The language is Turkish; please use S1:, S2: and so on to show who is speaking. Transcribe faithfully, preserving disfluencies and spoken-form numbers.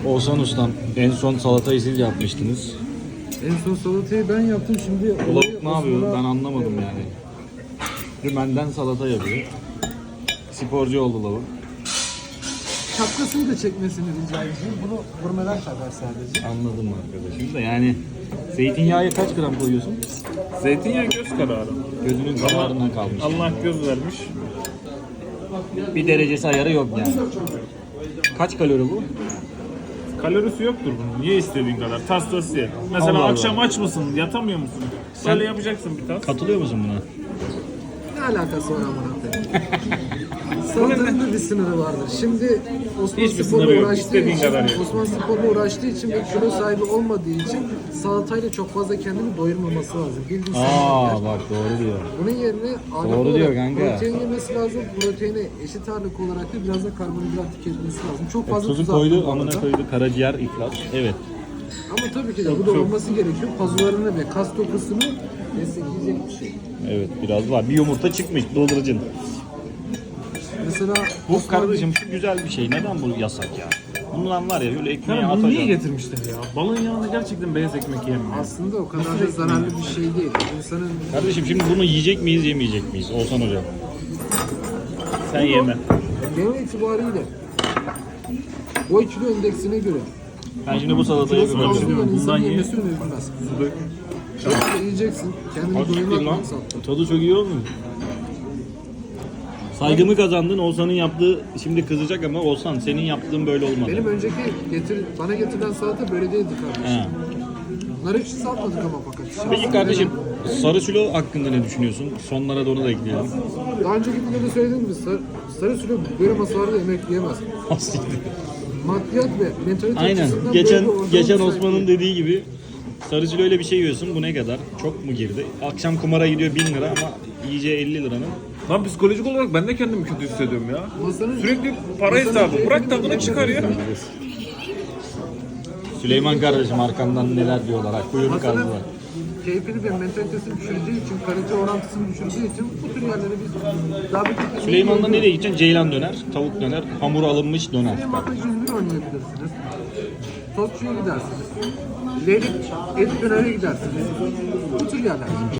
S1: Oğuzhan Ustam, en son salatayı siz yapmıştınız.
S2: En son salatayı ben yaptım şimdi.
S1: Bu lavuk ne yapıyor? Ben anlamadım yani. Dümenden salata yapıyor. Sporcu oldu lavuk.
S2: Şapkasını da çekmesini rica edeceğim. Bunu vurmadan takar sadece.
S1: Anladım arkadaşım da yani zeytinyağı kaç gram koyuyorsun?
S3: Zeytinyağı göz kararı.
S1: Gözünün kararından kalmış.
S3: Allah göz vermiş.
S1: Bir derecesi ayarı yok yani. Kaç kalori bu?
S3: Kalorisi yoktur bunun. Ye istediğin kadar. Tas tas ye. Mesela
S1: Allah
S3: akşam
S1: Allah.
S3: aç mısın? Yatamıyor musun?
S1: Sen-
S3: Böyle yapacaksın bir tas.
S1: Katılıyor musun buna?
S2: Ne alakası var amına koyayım? Salatanın da bir sınırı vardır. Şimdi Osman
S3: Hiçbir
S2: Spor'la
S3: sınırı yok.
S2: uğraştığı
S3: İstediğin
S2: için,
S3: kadar ye.
S2: Osman Spor'la uğraştığı için ve kilo sahibi olmadığı için salatayla çok fazla kendini doyurmaması lazım. Bildiğin
S1: Aa
S2: sen
S1: bak doğru diyor.
S2: Bunun yerine ağırlıklı
S1: Doğru diyor
S2: olarak
S1: kanka.
S2: protein yemesi lazım. Proteine eşit ağırlık olarak da biraz da karbonhidrat tüketmesi lazım. Çok fazla
S1: Tuzu
S2: tuz
S1: koydu,
S2: attım bu
S1: amına
S2: arada.
S1: koydu, karaciğer iflas. Evet.
S2: Ama tabii ki de bu da olması gerekiyor. Pazularını ve kas dokusunu destekleyecek bir şey.
S1: Evet biraz var. Bir yumurta çıkmış doldurucun.
S2: Mesela
S1: Bu
S2: Osman-
S1: kardeşim şu güzel bir şey. Neden bu yasak ya? Bundan var ya öyle ekmeğe
S3: Ya bunu niye
S1: atacaksın.
S3: getirmişler ya? Balın yanında gerçekten beyaz ekmek yemiyor.
S2: aslında o kadar da zararlı bir şey değil. İnsanın
S1: Kardeşim şimdi bunu yiyecek miyiz yemeyecek miyiz? Oğuzhan hocam.
S3: Sen yeme.
S2: genel itibariyle boy kilo endeksine göre
S1: Ben şimdi bu salatayı
S3: Kilosu var
S1: yapıyorum.
S3: diyor.
S2: insanın
S3: Bundan ye.
S2: yemesi önerilmez.
S3: Su dök.
S2: Yoksa yiyeceksin, kendini
S1: Hakikaten
S2: doyurmak
S1: lan.
S2: maksatlı.
S1: Tadı çok iyi olmuyor. Saygımı kazandın. Oğuzhan'ın yaptığı şimdi kızacak ama Oğuzhan senin yaptığın böyle olmadı.
S2: Benim önceki getir, bana getirilen salata böyle değildi kardeşim.
S1: He.
S2: Nar ekşisi satmadık ama fakat.
S1: Peki kardeşim sarı sülo hakkında ne düşünüyorsun? Sonlara da onu da ekleyelim.
S2: Daha önceki videoda söylediğim gibi sarı, sarı sürü böyle masalarda yemek yiyemez. Maddiyat ve mentalite
S1: Aynen.
S2: açısından
S1: Geçen
S2: böyle bir ortam
S1: geçen
S2: müsait
S1: Osman'ın
S2: değil.
S1: dediği gibi sarı sülo öyle bir şey yiyorsun. Bu ne kadar? Çok mu girdi? Akşam kumara gidiyor bin lira ama yiyeceği elli liranın.
S3: Lan psikolojik olarak ben de kendimi kötü hissediyorum ya.
S2: Masanın,
S3: Sürekli para hesabı. Bırak tadını çıkar ya.
S1: Süleyman kardeşim arkamdan neler diyorlar. Kuyruğunu
S2: masanın
S1: kazdılar.
S2: keyfini ve mentalitesini düşürdüğü için, kalite orantısını düşürdüğü için bu tür yerlere biz daha bir
S1: Süleyman'da nereye gideceksin? Ceylan döner, tavuk döner, hamur alınmış döner.
S2: Süleyman'da yüz bir oynayabilirsiniz. Tostçuya gidersiniz. Leylik et dönere gidersiniz. Bu tür yerler.